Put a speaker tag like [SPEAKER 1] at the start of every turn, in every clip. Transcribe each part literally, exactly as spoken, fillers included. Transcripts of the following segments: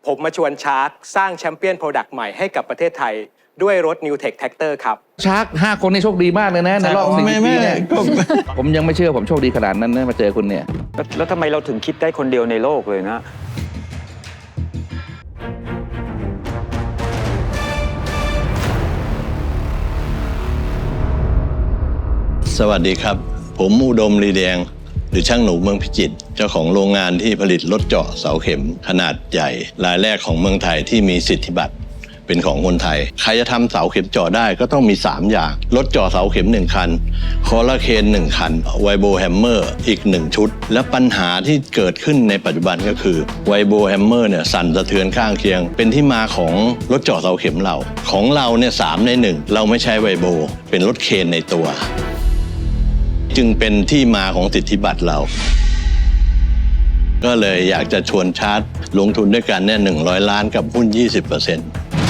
[SPEAKER 1] ผมมาชวนชาร์กสร้างแชมเปี้ยนโปรดักต์ใหม่ให้กับประเทศไทยด้วยรถ New Tech Tractor ครับ
[SPEAKER 2] ชาร์กห้าคนนี่โชคดีมากเลยนะในรอบสี่ปีเนี่ยผมยังไม่เชื่อผมโชคดีขนาดนั้นนะมาเจอคุณเนี่ย
[SPEAKER 3] แล้วทำไมเราถึงคิดได้คนเดียวในโลกเลยนะ
[SPEAKER 4] สวัสดีครับผมอุดมลีแดงหรือช่างหนูเมืองพิจิตรเจ้าของโรงงานที่ผลิตรถเจาะเสาเข็มขนาดใหญ่รายแรกของเมืองไทยที่มีสิทธิบัตรเป็นของคนไทยใครจะทำเสาเข็มเจาะได้ก็ต้องมีสามอย่างรถเจาะเสาเข็มหนึ่งคันคอลลาเคนหนึ่งคันไวโบแฮมเมอร์อีกหนึ่งชุดและปัญหาที่เกิดขึ้นในปัจจุบันก็คือไวโบแฮมเมอร์เนี่ยสั่นสะเทือนข้างเคียงเป็นที่มาของรถเจาะเสาเข็มเราของเราเนี่ยสามในหนึ่งเราไม่ใช้ไวโบเป็นรถเคนในตัวจึงเป็นที่มาของสิทธิบัตรเราก็เลยอยากจะชวนชาร์จลงทุนด้วยกันเนี่ยหนึ่งร้อยล้านกับหุ้น ยี่สิบเปอร์เซ็นต์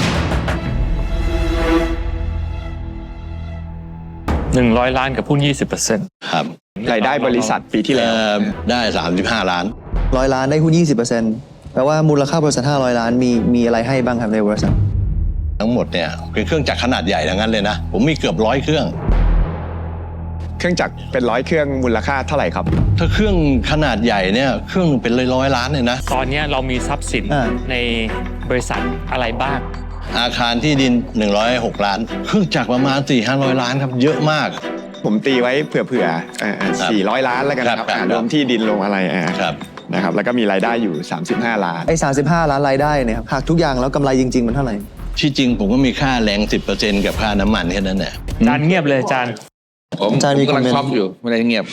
[SPEAKER 5] หนึ่งร้อยล้านกับหุ้น ยี่สิบเปอร์เซ็นต์
[SPEAKER 4] ครับ
[SPEAKER 3] รายได้บริษัทปีที่แล้ว
[SPEAKER 4] ได้สามสิบห้าล้าน
[SPEAKER 6] ร้อยล้านได้หุ้น ยี่สิบเปอร์เซ็นต์ แปลว่ามูลค่าบริษัทห้าร้อยล้านมีมีอะไรให้บ้างครับในบริษัท
[SPEAKER 4] ทั้งหมดเนี่ยเป็นเครื่องจักรขนาดใหญ่ทั้งนั้นเลยนะผมมีเกือบร้อยเครื่อง
[SPEAKER 3] เครื่องจักรเป็นร้อยเครื่องมูลค่าเท่าไหร่ครับ
[SPEAKER 4] ถ้าเครื่องขนาดใหญ่เนี่ยเครื่องเป็นร้อยร้อยล้านเลยนะ
[SPEAKER 5] ตอนนี้เรามีทรัพย์สินในบริษัทอะไรบ้าง
[SPEAKER 4] อาคารที่ดินหนึ่งร้อยหกล้านเครื่องจักรประมาณ สี่ถึงห้าร้อยล้านครับเยอะมาก
[SPEAKER 3] ผมตีไว้เผื่อๆสี่ร้อยล้านแล้วกันครับรวมที่ดินลงอะไรนะครับแล้วก็มีรายได้อยู่สามสิบห้าล้าน
[SPEAKER 6] ไอ้สามสิบห้าล้านรายได้เนี่ยครับหากทุกอย่างแล้วกำไรจริงๆมันเท่าไหร่
[SPEAKER 4] ที่จริงผมก็มีค่าแรง สิบเปอร์เซ็นต์ กับค่าน้ำมันแค่นั้นแหละ
[SPEAKER 5] จานเงียบเลยจาน
[SPEAKER 2] ผมกำลังช็อกอยู่ไม่ได้เงียบ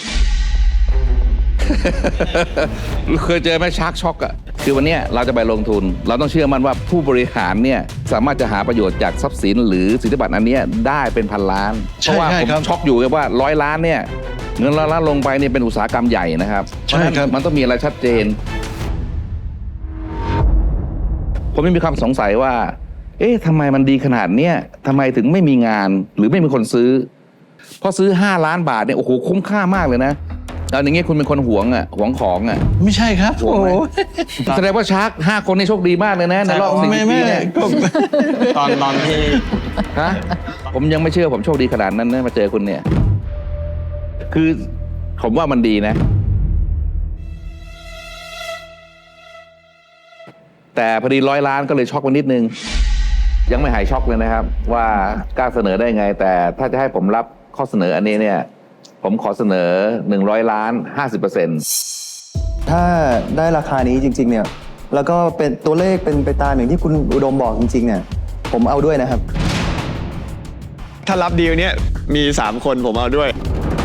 [SPEAKER 2] เคยเจอไหมชาร์กช็อกอะคือวันนี้เราจะไปลงทุนเราต้องเชื่อมั่นว่าผู้บริหารเนี่ยสามารถจะหาประโยชน์จากทรัพย์สินหรือสิทธิบัตรอันนี้ได้เป็นพันล้านเพราะว่าผมช็อกอยู่ว่าร้อยล้านเนี่ยเงินร้อยล้านลงไปเนี่ยเป็นอุตสาหกรรมใหญ่นะครับเพราะฉะนั้นมันต้องมีอะไรชัดเจนผมไม่มีความสงสัยว่าเอ๊ะทำไมมันดีขนาดเนี้ยทำไมถึงไม่มีงานหรือไม่มีคนซื้อพอซื้อห้าล้านบาทเนี่ยโอ้โหคุ้มค่ามากเลยนะแล้วอย่างเงี้ยคุณเป็นคนหวงอ่ะหวงของอ่ะ
[SPEAKER 4] ไม่ใช่ครับ
[SPEAKER 2] โอ้โหแสดงว่าชาร์กห้าคนนี่โชคดีมากเลยนะในรอบสี่ปีเนี่ย
[SPEAKER 3] ตอนตอนที่
[SPEAKER 2] ฮะผมยังไม่เชื่อผมโชคดีขนาดนั้นนะมาเจอคุณเนี่ยคือผมว่ามันดีนะแต่พอดีร้อยล้านก็เลยช็อกไปนิดนึงยังไม่หายช็อกเลยนะครับว่ากล้าเสนอได้ไงแต่ถ้าจะให้ผมรับข้อเสนออันนี้เนี่ยผมขอเสนอหนึ่งร้อยล้าน ห้าสิบเปอร์เซ็นต์
[SPEAKER 6] ถ้าได้ราคานี้จริงๆเนี่ยแล้วก็เป็นตัวเลขเป็นไปตามอย่างที่คุณอุดมบอกจริงๆเนี่ยผมเอาด้วยนะครับ
[SPEAKER 3] ถ้ารับดีลเนี้ยมีสามคนผมเอาด้วย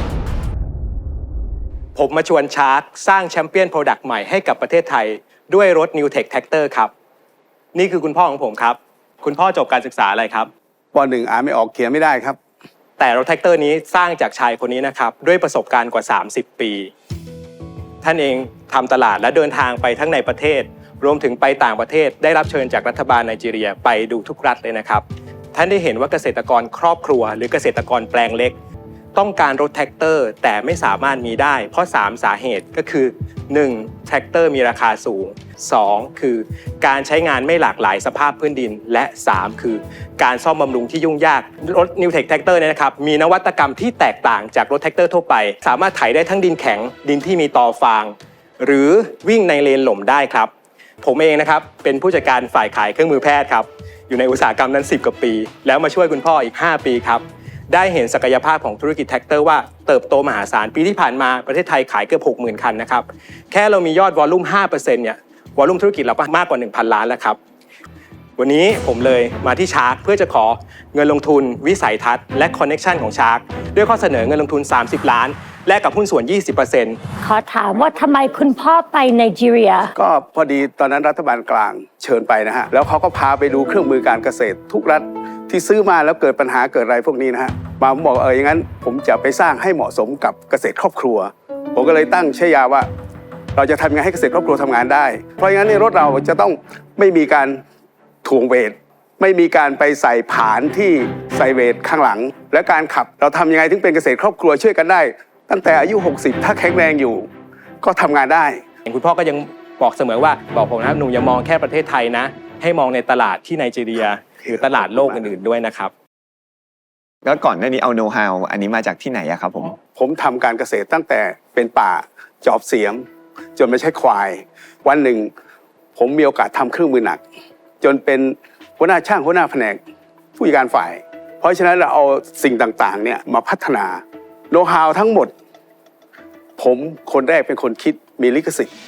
[SPEAKER 1] ผมมาชวนชาร์กสร้างแชมเปี้ยนโปรดักต์ใหม่ให้กับประเทศไทยด้วยรถ New Tech Tractor ครับนี่คือคุณพ่อของผมครับคุณพ่อจบการศึกษาอะไรครับ
[SPEAKER 7] ป.หนึ่ง อ่านไม่ออกเขียนไม่ได้ครับ
[SPEAKER 1] แต่รถแท็กเตอร์นี้สร้างจากชายคนนี้นะครับด้วยประสบการณ์กว่าสามสิบปีท่านเองทำตลาดและเดินทางไปทั้งในประเทศรวมถึงไปต่างประเทศได้รับเชิญจากรัฐบาลไนจีเรียไปดูทุกรัฐเลยนะครับท่านได้เห็นว่าเกษตรกรครอบครัวหรือเกษตรกรแปลงเล็กต้องการรถแท็กเตอร์แต่ไม่สามารถมีได้เพราะสามสาเหตุก็คือหนึ่งแท็กเตอร์มีราคาสูงสองคือการใช้งานไม่หลากหลายสภาพพื้นดินและสามคือการซ่อมบำรุงที่ยุ่งยากรถ New Tech Tractor เนี่ยนะครับมีนวัตกรรมที่แตกต่างจากรถแท็กเตอร์ทั่วไปสามารถไถได้ทั้งดินแข็งดินที่มีตอฟางหรือวิ่งในเลนหล่มได้ครับผมเองนะครับเป็นผู้จัดการฝ่ายขายเครื่องมือแพทย์ครับอยู่ในอุตสาหกรรมนั้นสิบกว่าปีแล้วมาช่วยคุณพ่ออีกห้าปีครับได้เห็นศักยภาพของธุรกิจแท็กเตอร์ว่าเติบโตมหาศาลปีที่ผ่านมาประเทศไทยขายเกือบ หกหมื่น คันนะครับแค่เรามียอดวอลลุ่ม ห้าเปอร์เซ็นต์ เนี่ยวอลลุ่มธุรกิจเราก็มากกว่า หนึ่งพัน ล้านแล้วครับวันนี้ผมเลยมาที่ชาร์กเพื่อจะขอเงินลงทุนวิสัยทัศน์และคอนเน็กชันของชาร์กด้วยข้อเสนอเงินลงทุนสามสิบล้านแลกกับหุ้นส่วน ยี่สิบเปอร์เซ็นต์
[SPEAKER 8] ขอถามว่าทำไมคุณพ่อไปไนจีเรีย
[SPEAKER 7] ก็พอดีตอนนั้นรัฐบาลกลางเชิญไปนะฮะแล้วเขาก็พาไปดูเครื่องมือการเกษตรทุกรัฐที่ซื้อมาแล้วเกิดปัญหาเกิดอะไรพวกนี้นะฮะมาผมบอกเอออย่างนั้นผมจะไปสร้างให้เหมาะสมกับเกษตรครอบครัวผมก็เลยตั้งฉายาว่าเราจะทำยังไงให้เกษตรครอบครัวทำงานได้เพราะงั้นในรถเราจะต้องไม่มีการถ่วงเวทไม่มีการไปใส่ผานที่ใส่เวทข้างหลังและการขับเราทำยังไงถึงเป็นเกษตรครอบครัวช่วยกันได้ตั้งแต่อายุหกสิบถ้าแข็งแรงอยู่ก็ทำงานได้
[SPEAKER 1] คุณพ่อก็ยังบอกเสมอว่าบอกผมนะหนูอย่ามองแค่ประเทศไทยนะให้มองในตลาดที่ไนจีเรียหรือตลาดโลกอื่นๆด้วยนะครับ
[SPEAKER 3] แล้วก่อนหน้านี้เอาโน้ตฮาวอันนี้มาจากที่ไหนอะครับผม
[SPEAKER 7] ผมทำการเกษตรตั้งแต่เป็นป่าจอบเสียมจนไม่ใช่ควายวันหนึ่งผมมีโอกาสทำเครื่องมือหนักจนเป็นหัวหน้าช่างหัวหน้าแผนกผู้จัดการฝ่ายเพราะฉะนั้นเราเอาสิ่งต่างๆเนี่ยมาพัฒนาโน้ตฮาวทั้งหมดผมคนแรกเป็นคนคิดมีลิขสิทธิ์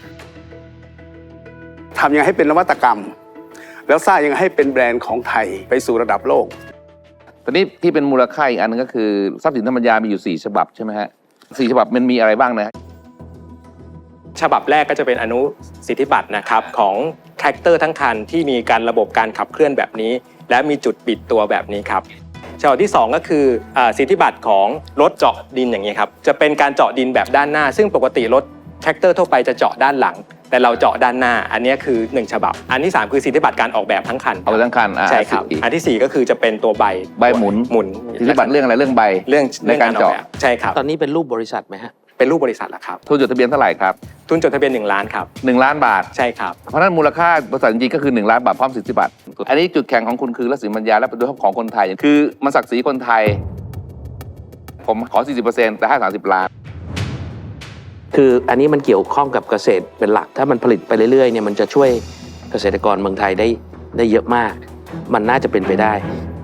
[SPEAKER 7] ทำยังไงให้เป็นนวัตกรรมแล้วสร้างยังไงให้เป็นแบรนด์ของไทยไปสู่ระดับโลก
[SPEAKER 2] ตอนนี้ที่เป็นมูลค่าอีกอันนึงก็คือทรัพย์สินทางปัญญามีอยู่สี่ฉบับใช่ไหมฮะสี่ฉบับมันมีอะไรบ้างนะ
[SPEAKER 1] ฉบับแรกก็จะเป็นอนุสิทธิบัตรนะครับของแทรกเตอร์ทั้งคันที่มีการระบบการขับเคลื่อนแบบนี้และมีจุดปิดตัวแบบนี้ครับฉบับที่สองก็คือสิทธิบัตรของรถเจาะดินอย่างนี้ครับจะเป็นการเจาะดินแบบด้านหน้าซึ่งปกติรถแทรกเตอร์ทั่วไปจะเจาะด้านหลังแต่เราเจาะด้านหน้าอันนี้คือหนึ่งฉบับอันที่สามคือสิทธิบัตรการออกแบบทั้งคัน
[SPEAKER 2] ออกแบบทั้งคัน
[SPEAKER 1] ใช่ครับอันที่สี่ก็คือจะเป็นตัวใบ
[SPEAKER 2] ใบหมุน
[SPEAKER 1] หมุน
[SPEAKER 2] สิทธิบัตรเรื่องอะไรเรื่องใบ
[SPEAKER 1] เรื่อง
[SPEAKER 2] ในการเจาะ
[SPEAKER 1] ใช่ครับ
[SPEAKER 5] ตอนนี้เป็นรูปบริษัทไหมฮะ
[SPEAKER 1] เป็นรูปบริษัทแล้วครับ
[SPEAKER 2] ทุนจดทะเบียนเท่าไหร่ครับ
[SPEAKER 1] ทุนจดทะเบียนหนึ่งล้านครับ
[SPEAKER 2] หนึ่งล้านบาท
[SPEAKER 1] ใช่ครับ
[SPEAKER 2] เพราะนั้นมูลค่าบริษัทจริงๆก็คือหนึ่งล้านบาทพร้อมสิทธิบัตรอันนี้จุดแข็งของคุณคือรัศมีปัญญาและเป็นตัวของคนไทยคือมันศักดิ์ศรีคนไทยผมขอ สี่สิบเปอร์เซ็นต์ แต่ให้สามสิบล้าน
[SPEAKER 5] คืออันนี้มันเกี่ยวข้องกับเกษตรเป็นหลักถ้ามันผลิตไปเรื่อยๆเนี่ยมันจะช่วยเกษตรกรเมืองไทยได้ได้เยอะมากมันน่าจะเป็นไปได้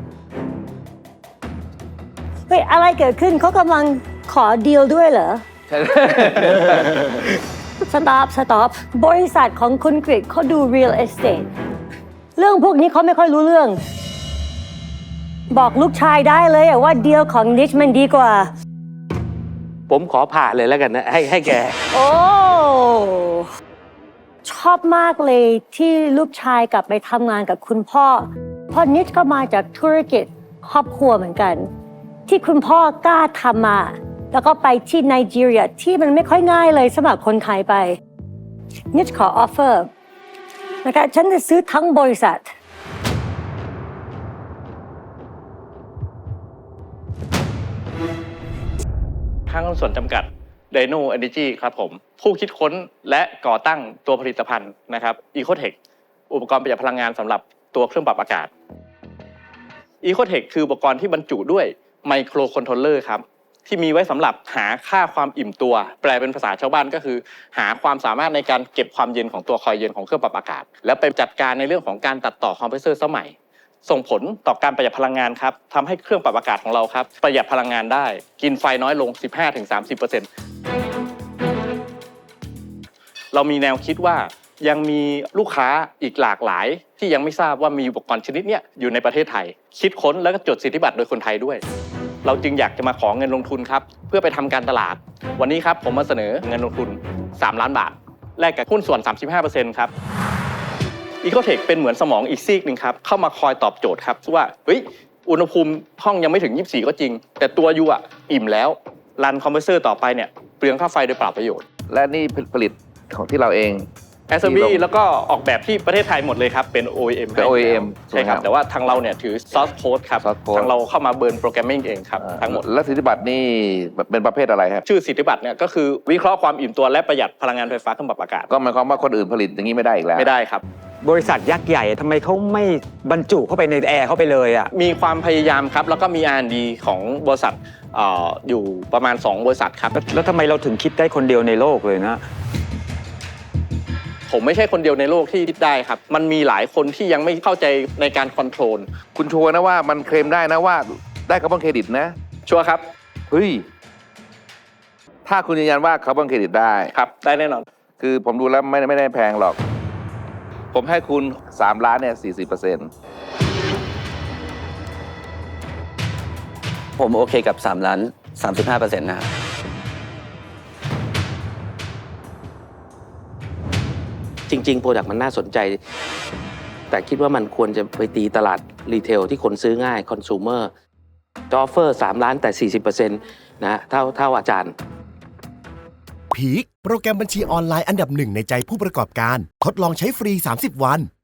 [SPEAKER 8] เฮ้ยอะไรเกิดขึ้นเขากำลังขอดีลด้วยเหรอ สต็อปสต็อปบริษัทของคุณกฤษเขาดู real estate เรื่องพวกนี้เขาไม่ค่อยรู้เรื่องบอกลูกชายได้เลยว่าดีลของนิชมันดีกว่า
[SPEAKER 5] ผมขอผ่าเลยแล้วกันนะให้ให้แก
[SPEAKER 8] โอ้ชอบมากเลยที่ลูกชายกลับไปทำงานกับคุณพ่อเพราะนิชก็มาจากธุรกิจครอบครัวเหมือนกันที่คุณพ่อกล้าทำมาแล้วก็ไปที่ไนจีเรียที่มันไม่ค่อยง่ายเลยสำหรับคนไทยไปนิชขอออฟเฟอร์นะคะฉันจะซื้อทั้งบริษัท
[SPEAKER 9] ห้างหุ้นส่วนจำกัด Dino Energy ครับผมผู้คิดค้นและก่อตั้งตัวผลิตภัณฑ์นะครับ Ecotech อุปกรณ์ประหยัดพลังงานสำหรับตัวเครื่องปรับอากาศ Ecotech คืออุปกรณ์ที่บรรจุด้วยไมโครคอนโทรลเลอร์ครับที่มีไว้สำหรับหาค่าความอิ่มตัวแปลเป็นภาษาชาวบ้านก็คือหาความสามารถในการเก็บความเย็นของตัวคอยเย็นของเครื่องปรับอากาศแล้วไปจัดการในเรื่องของการตัดต่อคอมเพรสเซอร์สมัยส่งผลต่อการประหยัดพลังงานครับทำให้เครื่องปรับอากาศของเราครับประหยัดพลังงานได้กินไฟน้อยลง สิบห้าถึงสามสิบเปอร์เซ็นต์ เรามีแนวคิดว่ายังมีลูกค้าอีกหลากหลายที่ยังไม่ทราบว่ามีอุปกรณ์ชนิดนี้อยู่ในประเทศไทยคิดค้นแล้วก็จดสิทธิบัตรโดยคนไทยด้วยเราจึงอยากจะมาขอเงินลงทุนครับเพื่อไปทำการตลาดวันนี้ครับผมมาเสนอเงินลงทุนสามล้านบาทแลกกับหุ้นส่วน สามสิบห้าเปอร์เซ็นต์ ครับ Ecotech เป็นเหมือนสมองอีกซีกหนึ่งครับเข้ามาคอยตอบโจทย์ครับว่าเฮ้ยอุณหภูมิห้องยังไม่ถึงยี่สิบสี่ก็จริงแต่ตัวยูอ่ะอิ่มแล้วรันคอมเพรสเซอร์ต่อไปเนี่ยเปลืองค่าไฟโดยเปล่าประโยชน์
[SPEAKER 2] และนี่ผลิตของที่เราเอง
[SPEAKER 9] แอสเซมบลีแล้วก็ออกแบบที่ประเทศไทยหมดเลยครับเป็น โอ อี เอ็ม
[SPEAKER 2] เป็น โอ อี เอ็ม
[SPEAKER 9] ใช่ครับแต่ว่าทางเราเนี่ยถือ source code ครับทางเราเข้ามาเบิร์นโปรแกรมมิ่งเองครับทั้งหมด
[SPEAKER 2] แล้วสิทธิบัตรนี่เป็นประเภทอะไรครับ
[SPEAKER 9] ชื่อสิทธิบัตรเนี่ยก็คือวิเคราะห์ความอิ่มตัวและประหยัดพลังงานไฟฟ้าเครื่องปรับอากาศ
[SPEAKER 2] ก็หมายความว่าคนอื่นผลิตอย่างนี้ไม่ได้อีกแล้ว
[SPEAKER 9] ไม่ได้ครับ
[SPEAKER 10] บริษัทยักษ์ใหญ่ทำไมเขาไม่บรรจุเข้าไปในแอร์เข้าไปเลยอ่ะ
[SPEAKER 9] มีความพยายามครับแล้วก็มี อาร์ แอนด์ ดี ของบริษัทออยู่ประมาณสองบริษัทครับ
[SPEAKER 10] แล้วทำไมเราถึงคิดได้คนเดียวในโลกเลยนะ
[SPEAKER 9] ผมไม่ใช่คนเดียวในโลกที่คิดได้ครับมันมีหลายคนที่ยังไม่เข้าใจในการคอนโทรล
[SPEAKER 2] คุณชัวร์นะว่ามันเคลมได้นะว่าได้คาร์บอนเครดิตนะ
[SPEAKER 9] ชัวร์ครับ
[SPEAKER 2] เฮ้ยถ้าคุณยืนยันว่าคาร์บอนเครดิตได้
[SPEAKER 9] ครับได้แน่นอน
[SPEAKER 2] คือผมดูแล้วไม่ไม่ได้แพงหรอกผมให้คุณสามล้านเนี่ย สี่สิบเปอร์เซ็นต์
[SPEAKER 11] ผมโอเคกับสามล้าน สามสิบห้าเปอร์เซ็นต์ นะครับ
[SPEAKER 5] จริงๆโปรดักต์มันน่าสนใจแต่คิดว่ามันควรจะไปตีตลาดรีเทลที่คนซื้อง่ายคอน sumer จออฟเฟอร์สามล้านแต่ สี่สิบเปอร์เซ็นต์ นะเท่าเท่าอาจารย์
[SPEAKER 12] พีคโปรแกรมบัญชีออนไลน์อันดับหนึ่งในใจผู้ประกอบการทดลองใช้ฟรีสามสิบวัน